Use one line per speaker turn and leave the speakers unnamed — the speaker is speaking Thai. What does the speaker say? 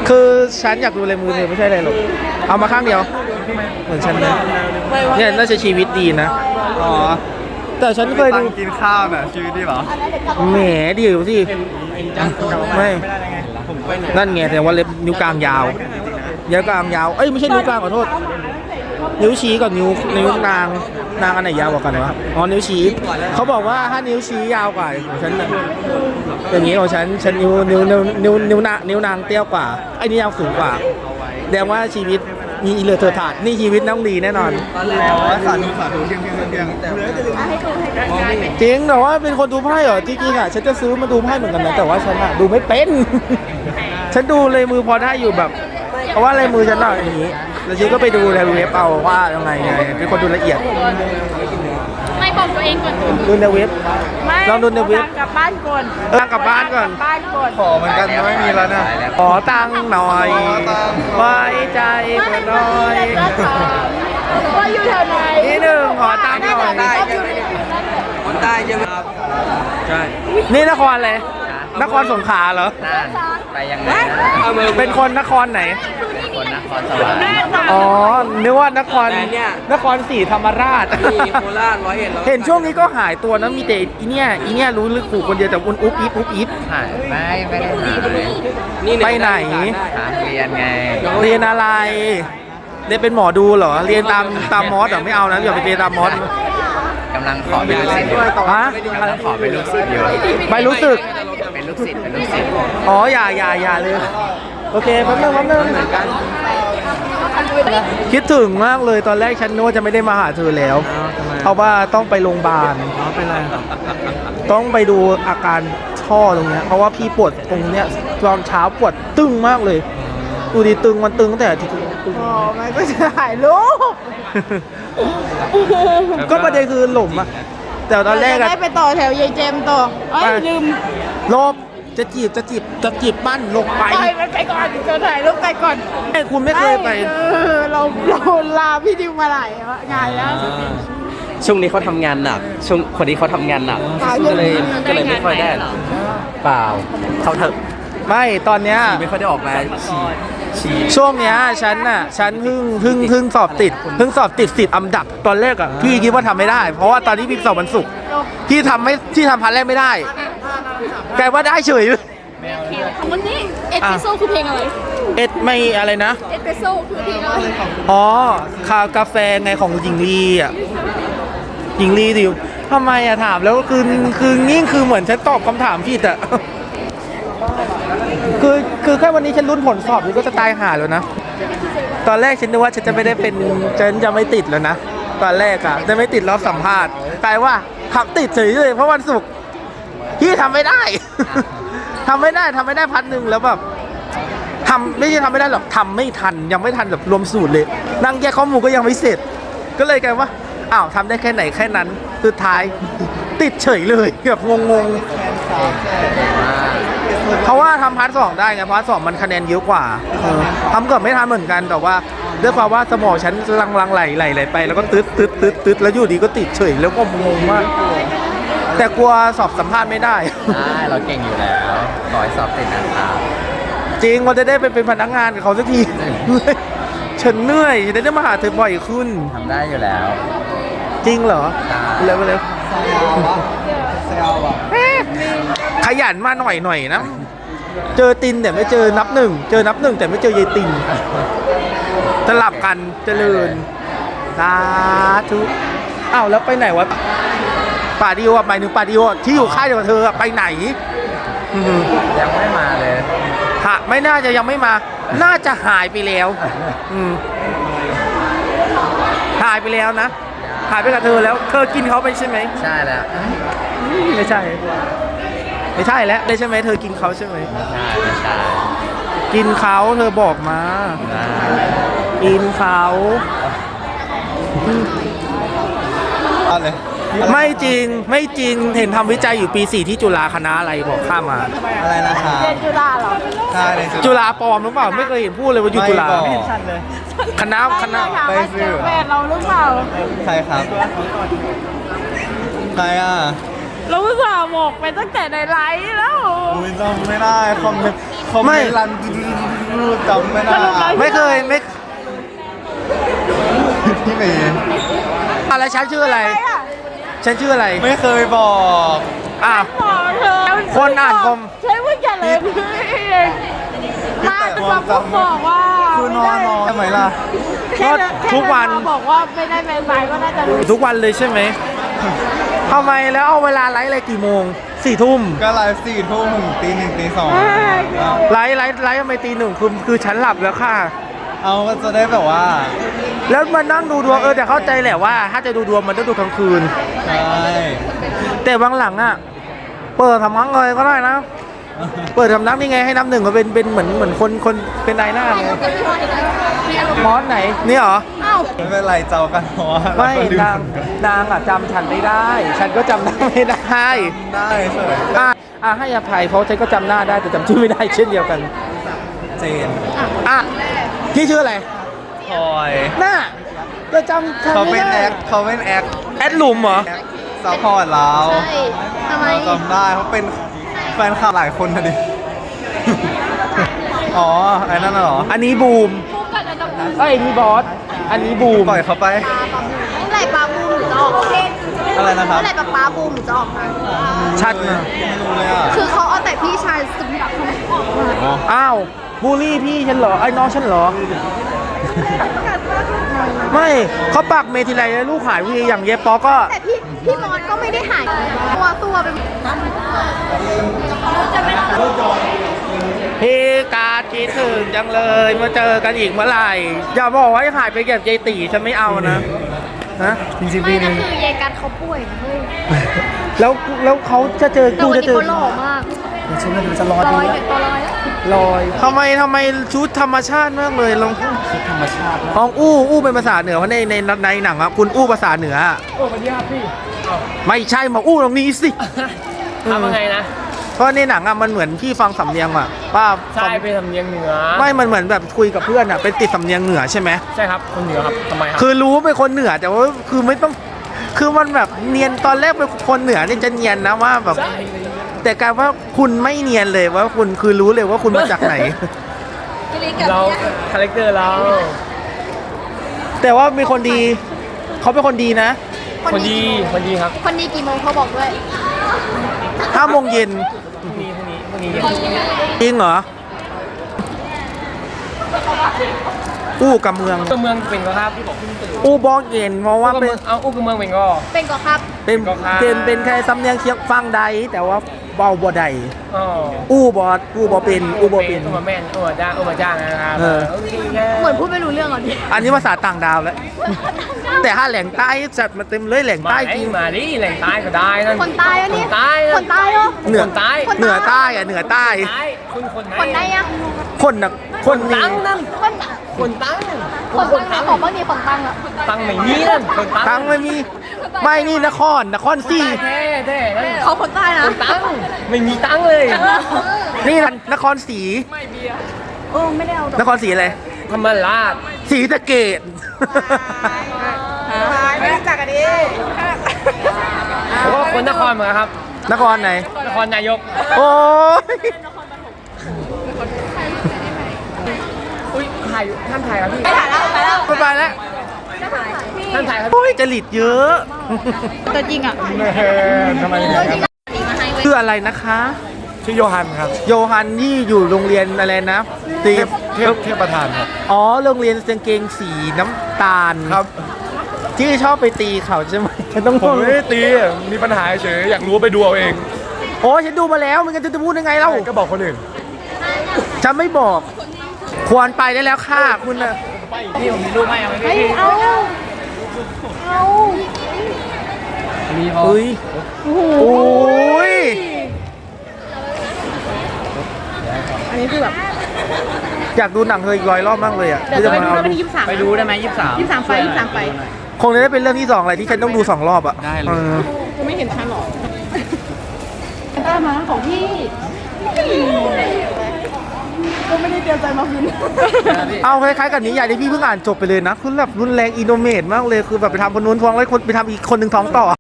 คือฉันอยากดูลายมือเธอไม่ใช่อะไรหรอกเอามาข้างเดียวเหมือนฉันนะเนี่ยน่าจะชีวิตดีนะ
อ๋อ
แต่ฉันเคยดู
กินข้าวน่ะชีวิตดีเหรอ
แหมเดี๋ยวสิไม่นั่นไงแต่ว่าเล็บนิ้วกลางยาวนิ้วกลางยาวเอ้ยไม่ใช่นิ้วกลางขอโทษนิ้วชี้กับนิ้วนางอันไหนยาวกว่ากันวะอ๋อนิ้วชี้เขาบอกว่าถ้านิ้วชี้ยาวกว่าของฉันอย่างนี้ของฉันนิ้วนางเตี้ยกว่าไอ้นี่ยาวสูงกว่าแสดงว่าชีวิตมีอิเลอเทอร์ถาดนี่ชีวิตน้องดีแน่นอน
สาธุเพียง
จริงแต่ว่าเป็นคนดูไพ่เหรอจริงๆอ่ะฉันจะซื้อมาดูไพ่เหมือนกันนะแต่ว่าฉันอ่ะดูไม่เป็นฉันดูเลยมือพอได้อยู่แบบเพราะว่าลายมือฉันหน่อยอย่างนี้แล้วฉันก็ไปดูในเว็บเอาว่ายังไงเป็นคนดูละเอียด
ไม่บอกตัวเองก่อน
ดูในเว็บลองดูในเว็บ
กลับบ้านก่อน
กลับบ้านก่อน
ขอเหมือนกันไม่มีแล้วนะ
ขอตังค์หน่อยไว้ใจกันหน่อย
ว่าอยู่แถวไหน
นี่หนึ่งขอตังค์หน่อย
คนใต้ใช่ไหมครับใช่
นี่นครเลยนครสงขลาเหรอ
ไปยังไง
เป็นคนนครไหน
คนนครสวรรค์
อ๋อนึกว่านครศรีธรรมราช
โคราช101
เห็นช่วงนี้ก็หายตัวนะมีแต่อีเนี่ยรู้ลึกขู่คนเดียวแต่อุ๊บอิ๊บ
หายไม่ได้หายเลย
ไปไหน
เรียนไง
เรียนอะไรเรียนเป็นหมอดูเหรอเรียนตามมอสเหรอไม่เอานะอย่าไปเรียนตามมอส
กำลังขอเป็นลูกศิษย์
ฮะ
กำลังขอเป็นลูกศิษย์อยู่
ไม่รู้สึก
เป็นลูกศิษย์
อ๋ออย่าเลยโอเคแป๊บนึงเหมือนกันคิดถึงมากเลยตอนแรกฉันนึกว่าจะไม่ได้มาหาเธอแล้วเพราะว่าต้องไปโรงพยาบาล
เป็นไร
ต้องไปดูอาการท่อตรงเนี้ยเพราะว่าพี่ปวดตรงเนี้ยตอนเช้าปวดตึงมากเลยดูดิตึงมันตึงตั้งแต่ที่
อ๋อมันก็จะถ่ายรูป
ก็ประเด็นคือหล่มอะแต่ตอนแรก
ได้ไปต่อแถวยายเจมต่อลืม
ลบจะจีบปั้นลงไป
ไปก่อนจะถ่ายรูปไปก่อน
คุณไม่เคยไป
เราลาพี่ดิวมาหลายงานแล้ว
ช่วงนี้เขาทำงานหนักช่วงคนนี้เขาทำงานหนักก็เลยไม่ค่อยได้เปล่าเขาเถอะ
ไม่ตอนเนี้ย
ไม่ค่อยได้ออกมา
ช่วงเนี้ยฉันเพิ่งสอบติด10อันดับตอนแรกอ่ะพี่คิดว่าทำไม่ได้เพราะว่าตอนนี้พี่สอบวันศุกร์พี่ทำพันแรกไม่ได้แกว่าได้เฉย
วันนี้เอสเปรสโซ่คือเพลงอะไร
ไม่อะไรนะ
เอสเปรสโซ่คือเพลงอะไร
อ๋อกาแฟไงของหญิงลีอ่ะหญิงลีดิวทำไมอะถามแล้วคือนี่คือเหมือนฉันตอบคำถามผิดอะคือแค่วันนี้ฉันลุ้นผลสอบนี่ก็จะตายห่าแล้วนะตอนแรกฉันนึกว่าฉันจะไม่ได้เป็นฉันจะไม่ติดแล้วนะตอนแรกอะจะไม่ติดรอบสัมภาษณ์กลายว่าขับติดเฉยเลยเพราะวันศุกร์พี่ทำไม่ได้ทำไม่ได้พัดหนึ่งแล้วแบบไม่ใช่ทำไม่ได้หรอกทำไม่ทันยังไม่ทันแบบรวมสูตรเลยนั่งแยกข้อมูลก็ยังไม่เสร็จก็เลยกลายว่าอ้าวทำได้แค่ไหนแค่นั้นสุดท้ายติดเฉยเลยแบบงงเพราะว่าทำพาร์ท 2ได้ไงพาร์ท 2มันคะแนนเยอะกว่าทำเกือบไม่ทันเหมือนกันแต่ว่าด้วยความว่าสมองฉันลังไหลไปแล้วก็ตึ๊ดแล้วอยู่ดีก็ติดเฉยแล้วก็งงมากแต่กลัวสอบสัมภาษณ์ไม่ได้
เราเก่งอยู่แล้วขอให้สอบติดนะครับ
จริงว่าจะได้เป็นพนักงานกับเขาสักทีฉันเหนื่อยจะได้มาหาเธอบ่อยขึ้น
ทำได้อยู่แล้ว
จริงเหรอเร็วขยันมาหน่อยนะเจอตินแต่ไม่เจอนับหนึ่งแต่ไม่เจอยายตินสลับกันเจริญสาธุอ้าวแล้วไปไหนวะปาดิโอหมายถึงปาดิโอที่อยู่ค่ายเดียวกับเธอไปไหน
ยังไม่มาเลย
ไม่น่าจะยังไม่มาน่าจะหายไปแล้วหายไปแล้วนะหายไปกับเธอแล้วเธอกินเขาไปใช่ไหม
ใช่แล้ว
ไม่ใช่แล้วได้ใช่ไหมเธอกินเขาใช่ไหม
ไม่ใช่
กินเขาเธอบอกมากินเขา
อะไร
ไม่จริงเห็นทำวิจัยอยู่ปี 4ที่จุฬาคณะอะไรบอกข้ามมา
อะไรนะครับ
เรียนจุฬาเหรอ
ใช่
จุฬาปลอมหรือเปล่าไม่เคยเห็นพูดเลยว่าอยู่จุฬาคณะ
ไปซื้อแฟนเราหรือเปล่า
ใครครับใครอ่ะ
เราอุตส่าห์บอกไปตั้งแต่ในไลฟ์แล้ว
จำไม่ได้คอมเมนต์รัน
จำไม่ได้
ไม่เคยไม่
พี่เมย์
อะไรฉันชื่ออะไร ฉันชื่ออะไร
ไม่เคยบอก
อ่ะ
บอกเธอ
คนอ่านคอม
ใช้เมื่อกี้เลยมาเป็นคนบอกว่า
คือนอนทำไมล่ะ
แค่
ทุกวัน
บอกว่าไม่ได้แมนบายก็น่าจะรู้
ทุกวันเลยใช่ไหมทำไมแล้วเอาเวลาไลฟ์อะไรกี่โมง4 ทุ่ม
ก็ไลฟ์4 ทุ่มถึงตี 1 ตี 2
ไลฟ์ทำไมตี 1คือฉันหลับแล้วค่ะ
เอาก็จะได้แบบว่า
แล้วมานั่งดูดวงแต่เข้าใจแหละว่า ถ้าจะดูดวงมันต้องดูกลางคืน
ใช่
แต่บางหลังอ่ะ เปิดทำนักเลยก็ได้นะ เปิดทำนักนี่ไงให้น้ำหนึ่งมาเป็นเหมือนคนเป็นนายหน้าไงมอสไหนนี่เหรอ
ไม่เป็นไรเจ้ากันเพราะว่า
ไม่
เราก็ลื
นางอ่ะจำฉันไม่ได้ ฉันก็จำหน้าไม่ได้
ได้เฉย
ให้อภัยเพราะฉันก็จำหน้าได้แต่จำชื่อไม่ได้เช่นเดียวกัน
เจน
อ่ะพี่ชื่ออะไร
พลอย
หน้าก็จำฉัน
เขา
ไม่
เป็น
ได้
แอคเขาเป็นแอค
แอดลุมเหรอ
ซัพพอร์ตเรา
ทำไม
จำได้เขาเป็นแฟนคลับหลายคนนะดิ อ๋อไอ้นั่นน่ะเหรอ
อันนี้บูมเอ้ยนี่บอสอันนี้บูม
ปล่อยเขาไป
เมื่อไหร่ปลาบูมหรือจะออกมา
อะไรนะครับ
เมื่อไหร่ปลาบูมหรือจะออกมา
ชัดนะ
ไม่รู้เลยอ่ะ
คือเขาเอาแต่พี่ชายสมบัติเขาออกมา
อ้าวบูลลี่พี่ฉันเหรอไอ้น้องฉันเหรอ ไม่เขาปากเมทีไรลูกหายวีอย่างเย็บปอก็
แต่พี่มอสก็ไม่ได้หายตัวเป็น
พี่การคิดถึงจังเลยมาเจอกันอีกเมื่อไหร่อย่าบอกว่าหายไปแบบยายตีฉันไม่เอานะนะ
จริงๆ
ไม่
ปี
นะ
นึง
คือยายกัดเขาป่วยนะเฮ้ย
แล้วเขาจะเจอ
แต่
กู
วัน
จะ
นี้
เจอ
เขาหล่อมาก
ชุดมันจะร้อน
ลอยเนี่ยตัวลอยแล้ว
ลอยทำไมชุดธรรมชาติมากเลยลอง
ชุดธรรมชาติ
ลองอู้เป็นภาษาเหนือเพราะในหนังอะคุณอู้ภาษาเหนือ
โอ้สวัสดีครับพี่
ไม่ใช่มาอู้ตรงนี้สิ
ทำยังไงนะ
เพราะในหนังอะมันเหมือนพี่ฟังสำเนียงอะป้า
ใช่เป็นสำเนียงเหนือ
ไม่มันเหมือนแบบคุยกับเพื่อนอะเป็นติดสำเนียงเหนือใช่ไหม
ใช่ครับคนเหนือครับทำไมครับ
คือรู้ว่าเป็นคนเหนือแต่ว่าคือไม่ต้องคือมันแบบเนียนตอนแรกเป็นคนเหนือเนี่ยจะเนียนนะว่าแบบ
ใช่
แต่กลารว่าคุณไม่เนียนเลยว่าคุณคือรู้เลยว่าคุณมาจากไหน
เราคาแรคเตอร์เรา
แต่ว่ามีคนดีเขาเป็นคนดีนะ
คนดีครับ
คนดีกี่โมงเขาบอกด้วย
5 โมงเย็น
พรุ่งนี้
จริงเหรออู้กับเมือง
ตัวเมืองเป็นก็ครับที่บอกเพิ่งตื่น
อู้บอกเย็นเพราะว่าเป็น
เอาอู้กับเมืองเป็นก็
เป็นก่อครับ
เป็น
ก็ครับ
เป็นแค่สำเนียงเชียงฟังใดแต่ว่าเบาบ่ใด
อ๋อ
อู้บอเป็นอู้บอเป็น
อู้มาแม่นอู้มาจ้างนะครับ
เออ
โอเคแค่
เหมือนพูดไม่รู้เรื่องอ่ะดิ
อันนี้ภาษาต่างดาวแล้ว แต่ถ้าแหล่งใต้จัดมาเต็มเลยแหล่ง
มา
ใต้
ดิ
จริง
มาดิแหล่งใต้ก็ได้นั่น
คนตายอ่ะนี่
คนใต้
คนตายเหรอ
เหนือ
คนใต้
เหนือใต้อะเหนือใต้
ใต้คนไหน
คนไหนอ่ะ
คนน่ะคนนี้
ตั้งนั่น
คน
คนตั้ง
คนตั้งของบ้านนี้คนตั้งอ่ะ
ตั้งไม่มีนั่นคนตั้ง
ตั้งไม่มีไม่นี่นครสี่
แท้นั่น
เขาคนใต้นะ
คนตั้งไม่มีตั้งเลย
นี่นครศรี
ไม่ได้เอาดอก
นครศรีอะไร
ธรรมราช
ศรีสะเกด
ไม่รู้จักกันดิ
ผมว่าคนนครเหมือนกันครับ
นครไหน
นครนายก
โอ้ย
อุ้ยถ่ายอยู่ท่านถ่ายครับพี่
ไปถ่ายแล้วไปแล้ว
ไปแล้ว
ท่านถ่ายครับ
โอ้ยจริตเยอะ
ตัวจริงอ่ะ
ทำไม
ตัวจริงอ่ะมาให้เว้ย
ชื่ออะไรนะคะ
ชื่อโยฮันครับ
โยฮันที่อยู่โรงเรียนอะไรนะตี
เทพประธานครับ
อ๋อโรงเรียนกางเกงสีน้ำตาล
ครับ
ที่ชอบไปตีเขาใช่ไหมฉันต้อง
ผมไม่ได้ตีมีปัญหาเฉยอยากรู้ไปดูเอาเอง
โอ้ยฉันดูมาแล้วมันจะพูดยังไงเล่า
ก็บอกคนอื่น
ฉันไม่บอก ควรไปได้แล้วค่ะคุณน่ะ
นี่ผมมีรูปให้เอาไหม
เฮ้ย
พี่
เอาเอา
มีพอ
เฮ้ยโอ้ย
อันนี้คือแบบ
อยากดูหนังเธออีก100 รอบมากเลยอ่ะ
เดี๋ยวจะไปดู
เอา
ได้วันที่23
ไปดูได้ไหม23
23ไป
คงจะได้เป็นเรื่องที่2อะไรที่ฉันต้องดู2 รอบอ่ะ
ได้เลย
จะไม่เห็นฉันหรอตามาของพี่ก็ไม่ได้เตรียมใจมาคืน
เอาคล้ายๆกับนิยายที่พี่เพิ่งอ่านจบไปเลยนะคือแบบรุนแรงอินโนเมตมากเลยคือแบบไปทำคนนู้นท้องแล้วคนไปทำอีกคนหนึ่งท้องต่อ